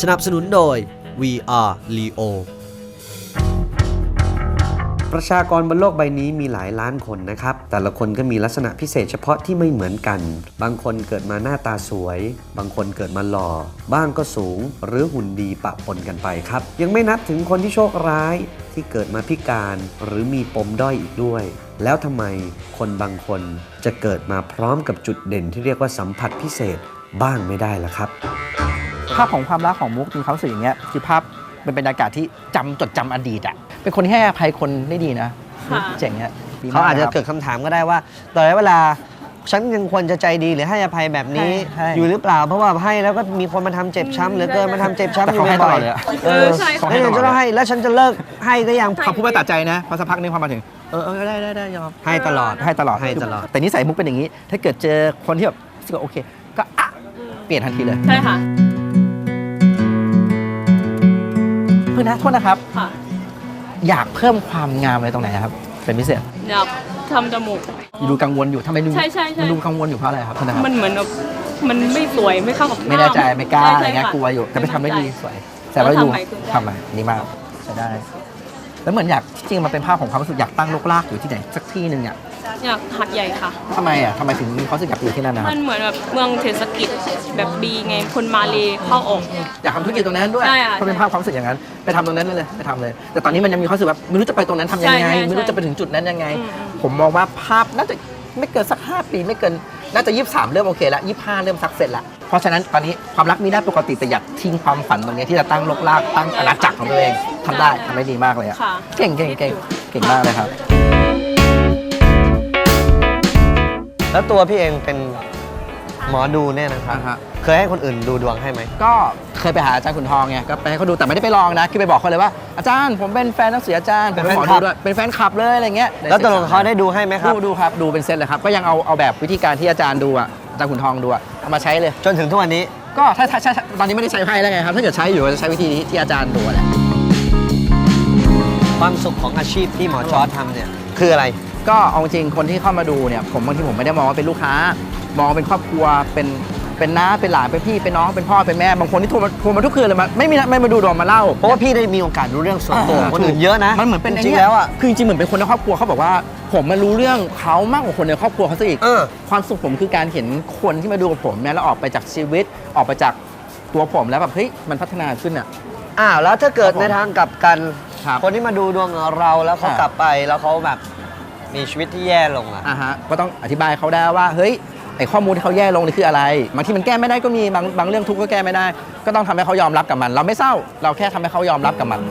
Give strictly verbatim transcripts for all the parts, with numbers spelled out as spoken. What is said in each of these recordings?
นับสนุนโดย วี อาร์ Leo ประชากรบนโลกใบนี้มีหลายล้านคนนะครับแต่ละคนก็มีลักษณะพิเศษเฉพาะที่ไม่เหมือนกันบางคนเกิดมาหน้าตาสวยบางคนเกิดมาหล่อบ้างก็สูงหรือหุ่นดีปะปนกันไปครับยังไม่นับถึงคนที่โชคร้ายที่เกิดมาพิการหรือมีปมด้อยอีกด้วยแล้วทำไมคนบางคนจะเกิดมาพร้อมกับจุดเด่นที่เรียกว่าสัมผัสพิเศษบ้างไม่ได้ล่ะครับภาพของความรักของมุกมีความรู้สึกอย่างเงี้ยคือภาพเป็นบรรยากาศที่จำจดจำอดีตอ่ะเป็นคนที่ให้อภัยคนได้ดีนะเจ๋งเนี่ยเขาอาจจะเกิดคำถามก็ได้ว่าตอนเวลาฉันยังควรจะใจดีหรือให้อภัยแบบนี้อยู่หรือเปล่าเพราะว่าให้แล้วก็มีคนมาทำเจ็บช้ำหรือเกินมาทำเจ็บช้ำอยู่บ่อยๆเออใช่แล้วฉันจะให้แล้วฉันจะเลิกให้ก็ยังเขาพูดไม่ตัดใจนะพอสักพักนึงพอมาถึงเออเออได้ได้ได้ยอมให้ตลอดให้ตลอดให้ตลอดแต่นิสัยมุกเป็นอย่างนี้ถ้าเกิดเจอคนที่แบบโอเคก็อ่ะเปลี่ยนทันทีเลยใช่ค่ะเพื่อนนะโทษนะครับอยากเพิ่มความงามอะไรตรงไหนครับเป็นพิเศษอยากทำจมูกดูกังวลอยู่ทำไมดูใช่ใช่มันดูกังวลอยู่เพราะอะไรครับมันเหมือนแบบมันไม่สวยไม่เข้ากับไม่แน่ใจไม่กล้าอะไรเงี้ยกลัวอยู่แต่ไปทำได้ดีสวยแต่ว่าดูทำไมนี่มากใช้ได้แล้วเหมือนอยากจริงๆมันเป็นภาพของความรู้สึกอยากตั้งโลกลากอยู่ที่ไหนสักที่หนึ่งอ่ะอยากหัดใหญ่ค่ะทำไมอ่ะทำไมถึงมีความรู้สึกอยากอยู่ที่นั่นนะครับมันเหมือนแบบเมืองเศรษฐกิจแบบดีไงคนมาเลเข้าออกอยากทำธุรกิจตรงนั้นด้วยเพราะเป็นภาพความรู้สึกอย่างนั้นไปทำตรงนั้นเลยไปทำเลยแต่ตอนนี้มันยังมีความรู้สึกแบบไม่รู้จะไปตรงนั้นทำยังไงไม่รู้จะไปถึงจุดนั้นยังไงผมมองว่าภาพน่าจะไม่เกินสักห้าปีไม่เกินน่าจะยี่สิบสามเริ่มโอเคแล้วยี่สิบห้าเริ่มสักเสร็จละเพราะฉะนั้นตอนนี้ความรักมีได้ปกติแต่อยากทิ้งความฝันตรงนี้ที่จะตั้งโลกลากตั้งอาณาจักรของตัวเองทำได้ทำได้ดีมากเลยอ่ะเก่งเก่งเก่งเก่งมากเลยครับแล้วตัวพี่เองเป็นหมอดูเนี่ยนะครับเคยให้คนอื่นดูดวงให้ไหมก็เคยไปหาอาจารย์ขุนทองไงก็ไปให้เขาดูแต่ไม่ได้ไปลองนะคือไปบอกเขาเลยว่าอาจารย์ผมเป็นแฟนนักเสียอาจารย์เป็นหมอดูด้วยเป็นแฟนคลับเลยอะไรเงี้ยแล้วตกลงเขาได้ดูให้ไหมครับดูดูครับดูเป็นเซตเลยครับก็ยังเอาเอาแบบวิธีการที่อาจารย์ดูอ่ะอาจารย์ขุนทองดูอ่ะเอามาใช้เลยจนถึงทุกวันนี้ก็ถ้าถ้าตอนนี้ไม่ได้ใช้ไพ่แล้วไงครับถ้าเกิดใช้อยู่จะใช้วิธีนี้ที่อาจารย์ดูแหละความสุขของอาชีพที่หมอจอร์จทำเนี่ยคืออะไรก็เอาจริงคนที่เข้ามาดูเนี่ยผมบางทีผมไม่ได้มองว่าเป็นลูกค้ามองเป็นครอบครัวเป็นเป็นน้าเป็นหลานเป็นพี่เป็นน้องเป็นพ่อเป็นแม่บางคนที่โทรมาโทรมาทุกคืนเลยมาไม่มีไม่มาดูดวงมาเล่าเพราะว่าพี่ได้มีโอกาสรู้เรื่องส่วนตัวคนอื่นเยอะนะมันเหมือนเป็นจริงแล้วอ่ะคือจริงเหมือนเป็นคนในครอบครัวเขาบอกว่าผมมารู้เรื่องเขามากกว่าคนในครอบครัวเขาซะอีกความสุขผมคือการเห็นคนที่มาดูกับผมเนี่ยแล้วออกไปจากชีวิตออกไปจากตัวผมแล้วแบบเฮ้ยมันพัฒนาขึ้นอ่ะอ้าวแล้วถ้าเกิดในทางกลับกันคนที่มาดูดวงเราแล้วเขากลับไปแล้วเขาแบบมีชีวิตที่แย่ลงอ่ะอ่าฮะก็ต้องอธิบายเขาได้ว่าเฮ้ยไอข้อมูลที่เขาแย่ลงนี่คืออะไรบางทีมันแก้ไม่ได้ก็มีบางบางเรื่องทุกข์ก็แก้ไม่ได้ก็ต้องทำให้เขายอมรับกับมันเราไม่เศร้าเราแค่ทำให้เขายอมรับกับมัน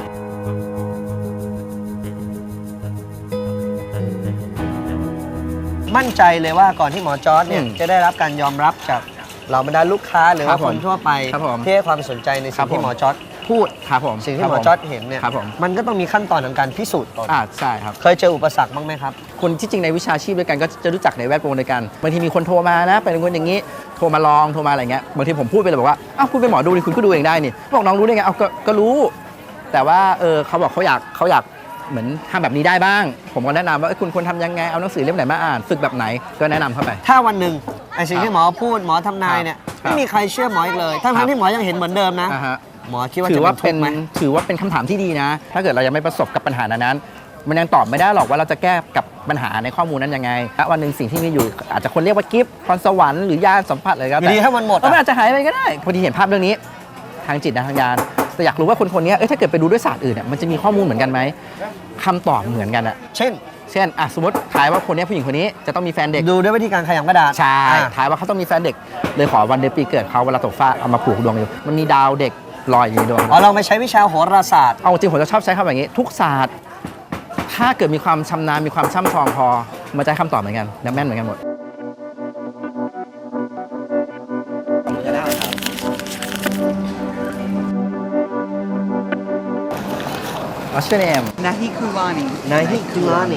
มั่นใจเลยว่าก่อนที่หมอจอร์จเนี่ยจะได้รับการยอมรับจากเหล่าบรรดาลูกค้าหรือว่าคนทั่วไปที่ให้ความสนใจในสิ่งที่หมอจอร์จพูดครับผมสิ่งที่หมอจอร์จเห็นเนี่ยมันก็ต้องมีขั้นตอนของการพิสูจน์ตนอ่าใช่ครับเคยเจออุปสรรคบ้างไหมครับคนที่จริงในวิชาชีพด้วยกันก็จะรู้จักในแวดวงเดียวกันบางทีมีคนโทรมานะเป็นคนอย่างนี้โทรมาลองโทรมาอะไรเงี้ยบางทีผมพูดไปเลยบอกว่าอ้าวคุณเป็นหมอดูนี่คุณก็ดูเองได้นี่บอกน้องรู้ได้ไงเอาก็รู้แต่ว่าเออเขาบอกเขาอยากเขาอยากเหมือนทำแบบนี้ได้บ้างผมก็แนะนำว่าคุณควรทำยังไงเอาหนังสือเล่มไหนมาอ่านฝึกแบบไหนก็แนะนำเข้าไปถ้าวันหนึ่งไอ้สิ่งที่หมอพูดหมอทำนายเนี่ยไม่มีใครเชื่อหมออีกเลยทั้งที่หมอยังเห็นเหมือนเดิมนะหมอคิดว่าถือว่าเป็นถือว่าเป็นคำถามที่ดีนะถ้าเกิดเรายังไม่ประสบกับปัญหานั้นมันยังตอบไม่ได้หรอกว่าเราจะแก้กับปัญหาในข้อมูลนั้นยังไงและวันหนึ่งสิ่งที่มีอยู่อาจจะคนเรียกว่ากิฟต์พรสวรรค์หรือยาสัมผัสอะไรก็แต่ถ้ามันหมดมันอาจจะหายไปก็ได้พอดีเห็นภาพเรื่องนี้ทางจิตนะทางยานแต่อยากรู้ว่าคนคนนี้เอ้ยถ้าเกิดไปดูด้วยศาสตร์อื่นเนี่ยมันจะมีข้อมูลเหมือนกันไหมคำตอบเหมือนกันอะเช่นเช่นอ่ะสมมติทายว่าคนนี้ผู้หญิงคนนี้จะต้องมีแฟนเด็กดูด้วยวิธีการขยำกระดาษใช่ทายว่าเขาต้องมีแฟนเด็กเลยขอวันเดือนปีเกิดเขาเวลาตกฟ้าเอามาผูกดวงอยู่มันมีดาวเด็กลอยอยู่ในดวงอ๋อเราไม่ใช้วิชาโหราศาสตร์เอาจริงผมจะชอบใช้คำแบบนี้ทุกศาสตร์ถ้าเกิดมีความชำนาญมีความช่ำชองพอมาใจคำตอบเหมือนกันและแม่นเหมือนกันหมดWhat's your name? Nahi Kulani. Nahi Kulani.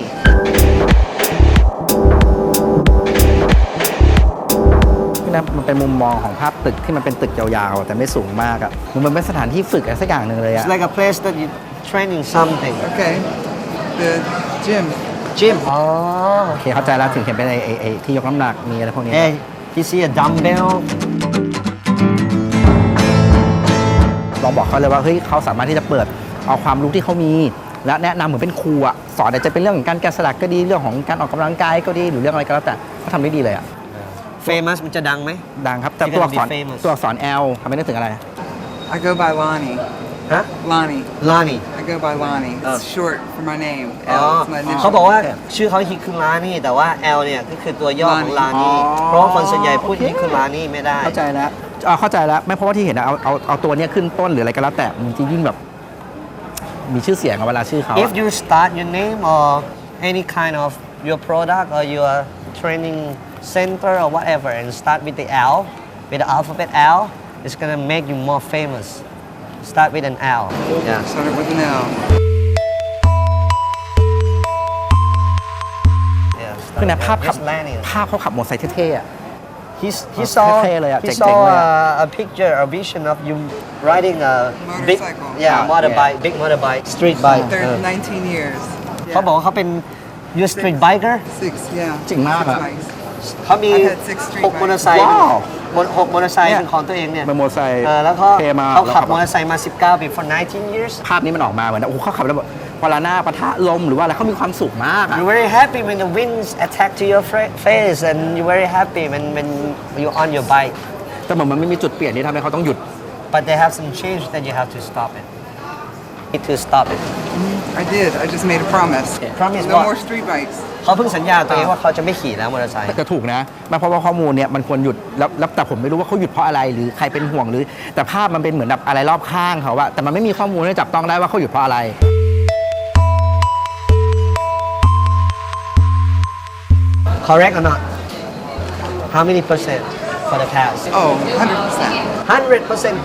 นะมันเป็นมุมมองของภาพตึกที่มันเป็นตึกยาวๆแต่ไม่สูงมากอ่ะมันเป็นสถานที่ฝึกอะไรสักอย่างหนึ่งเลยอ่ะ It's like a place that you training something. Okay. The gym. Gym. อ๋อโอเคเข้าใจแล้วถึงเห็นเป็นไอ้ไอ้ที่ยกน้ำหนักมีอะไรพวกนี้ Hey, you see a dumbbell? ลองบอกเขาเลยว่าเฮ้ยเขาสามารถที่จะเปิดเอาความรู้ที่เขามีและแนะนำเหมือนเป็นครูอะสอนอาจจะเป็นเรื่องของการแกะสลักก็ดีเรื่องของการออกกำลังกายก็ดีหรือเรื่องอะไรก็แล้วแต่เขาทำได้ดีเลยอะ famous มันจะดังไหมดังครับแต่ You're ตัว gonna อัก be ษร famous ตัวอักษร L ทำให้นึกถึงอะไร I go by Lonnie. ฮะ Lonnie. ลานี่ I go by Lonnie. It's Oh. short for my name. อ๋อ L is my เขา initial. บอกว่าชื่อเขาฮิคือลานี่แต่ว่า L เนี่ยก็คือตัวย่อของลานี่อ๋อเพราะว่าคนส่วนใหญ่พูดโอเคฮิคือลานี่ไม่ได้เข้าใจแล้วอ่าเข้าใจแล้วไม่เพราะว่าที่เห็นนะเอาเอาเอาตัวเนี้ยขึ้นต้นหรืออะไรก็แล้วแต่มันจะยิ่งแบบมีชื่อเสียงอะเวลาชื่อเขาอะ If you start your name or any kind of your product or your training center or whatever and start with the L, with the alphabet L, it's gonna make you more famous. Start with an L. Yeah. Started with an L. Yeah. คือนะภาพขับ Just landing. ภาพเขาขับมอเตอร์ไซค์เท่ๆอะ He he อ๋อ saw เท่ๆเลยอะ he เจ๋งๆ saw เลยอะ uh, a picture, a vision of you riding a big Motorcycle. yeah Ah, motorbike, big motorbike, street bike. There Uh, nineteen years. เขาบอกว่าเขาเป็น you street biker. Six, yeah. จริงมาก Six อะ bikes. เขามี I've had six street หก bikes. มอเตอร์ไซค์ว้าวมอหกมอเตอร์ไซค์เนี่ยเป็นของตัวเองเนี่ยเป็นมอเตอร์ไซค์เออแล้วก็เท่มากเขาขับแล้วมอเตอร์ไซค์มา สิบเก้า ปี for nineteen years ภาพนี้มันออกมาเหมือนโอ้โหเขาขับแล้วแบบเวลาหน้าปะทะลมหรือว่าอะไรเขามีความสุขมากอะ you're very happy when the winds attack to your fra- face and you're very happy when when you're on your bike แต่เหมือนมันไม่มีจุดเปลี่ยนที่ทำให้เขาต้องหยุด but they have some change that you have to stop it need to stop it I did. I just made a promise. Promise No what? more street bikes. เขาเพิ่งสัญญาตัวเองว่าเขาจะไม่ขี่แล้วมอเตอร์ไซค์แต่ถูกนะมันเพราะว่าข้อมูลเนี่ยมันควรหยุดแล้วแล้วแต่ผมไม่รู้ว่าเขาหยุดเพราะอะไรหรือใครเป็นห่วงหรือ แต่ภาพมันเป็นเหมือนแบบอะไรรอบข้างเขาอะแต่มันไม่มีข้อมูลที่จับต้องได้ว่าเขาหยุดเพราะอะไร correct or not how many percent for the pass Oh, one hundred percent. one hundred percent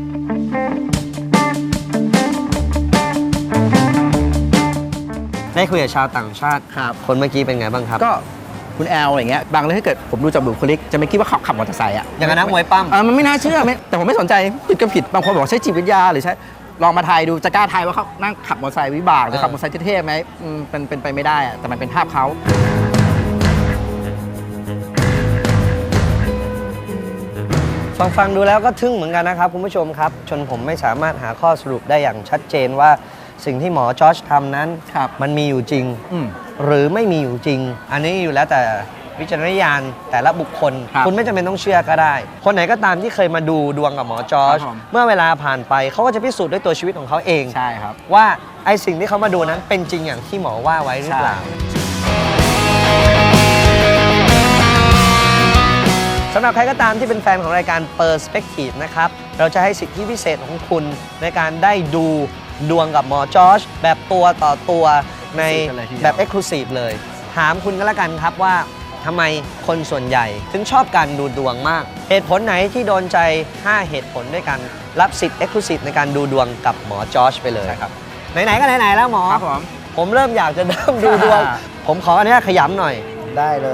ได้คุยกับชาวต่างชาติครับคนเมื่อกี้เป็นไงบ้างครับก็คุณแอลอย่างเงี้ยบางเรื่องถ้าเกิดผมดูจากบุคลิกจะไม่คิดว่าเขาขับมอเตอร์ไซค์อะอย่างนั้นนักมวยปั้มอ่ามันไม่น่าเชื่อไม่แต่ผมไม่สนใจผิดก็ผิดบางคนบอกใช้จิตวิทยาหรือใช้ลองมาทายดูจะกล้าทายว่าเขานั่งขับมอเตอร์ไซค์วิบากหรือขับมอเตอร์ไซค์เท่ๆไหมอืมเป็นเป็นไปไม่ได้อะแต่มันเป็นภาพเขาฟังฟังดูแล้วก็ทึ่งเหมือนกันนะครับคุณผู้ชมครับจนผมไม่สามารถหาข้อสรุปได้อย่างชัดเจนว่าสิ่งที่หมอจอร์จทำนั้นครับมันมีอยู่จริงอืมหรือไม่มีอยู่จริง อันนี้อยู่แล้วแต่วิจารณญาณแต่ละบุคคลครับคุณไม่จำเป็นต้องเชื่อก็ได้ คนไหนก็ตามที่เคยมาดูดวงกับหมอจอร์จครับผมเมื่อเวลาผ่านไปเขาก็จะพิสูจน์ด้วยตัวชีวิตของเขาเองใช่ครับว่าไอ้สิ่งที่เขามาดูนั้นเป็นจริงอย่างที่หมอว่าไว้หรือเปล่า สำหรับใครก็ตามที่เป็นแฟนของรายการ Perspective นะครับ เราจะให้สิทธิพิเศษของคุณในการได้ดูดวงกับหมอจอร์จแบบตัวต่อตัวในแบบ Exclusive เลย ถามคุณก็แล้วกันครับว่าทำไมคนส่วนใหญ่ถึงชอบการดูดวงมาก เหตุผลไหนที่โดนใจ ห้า เหตุผลด้วยกัน รับสิทธิ์ Exclusive ในการดูดวงกับหมอจอร์จไปเลยครับ ไหนๆก็ไหนๆแล้วหมอครับผมผมเริ่มอยากจะเริ่มดูดวง ผมขออนุญาตขยำหน่อยได้เลย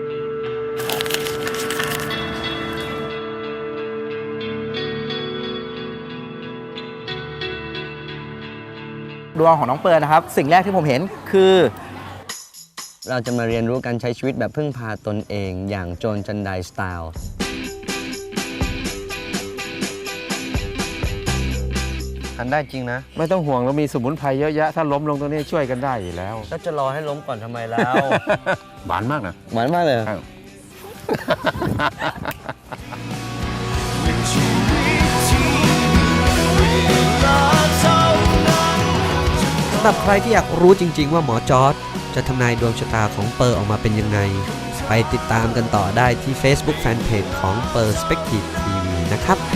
ดวงของน้องเปิร์นะครับ สิ่งแรกที่ผมเห็นคือเราจะมาเรียนรู้การใช้ชีวิตแบบพึ่งพาตนเองอย่างโจรจันไดสไตล์ทันได้จริงนะไม่ต้องห่วงเรามีสมุนไพรเยอะแยะ ถ้าล้มลงตรงนี้ช่วยกันได้อยู่แล้วก็จะรอให้ล้มก่อนทำไมแล้วหวานมากนะหวานมากเลยครับสำหรับใครที่อยากรู้จริง ๆ ว่าหมอจอร์จจะทำนายดวงชะตาของเปอร์ออกมาเป็นยังไง ไปติดตามกันต่อได้ที่ Facebook Fanpage ของ Perspective ที วี นะครับ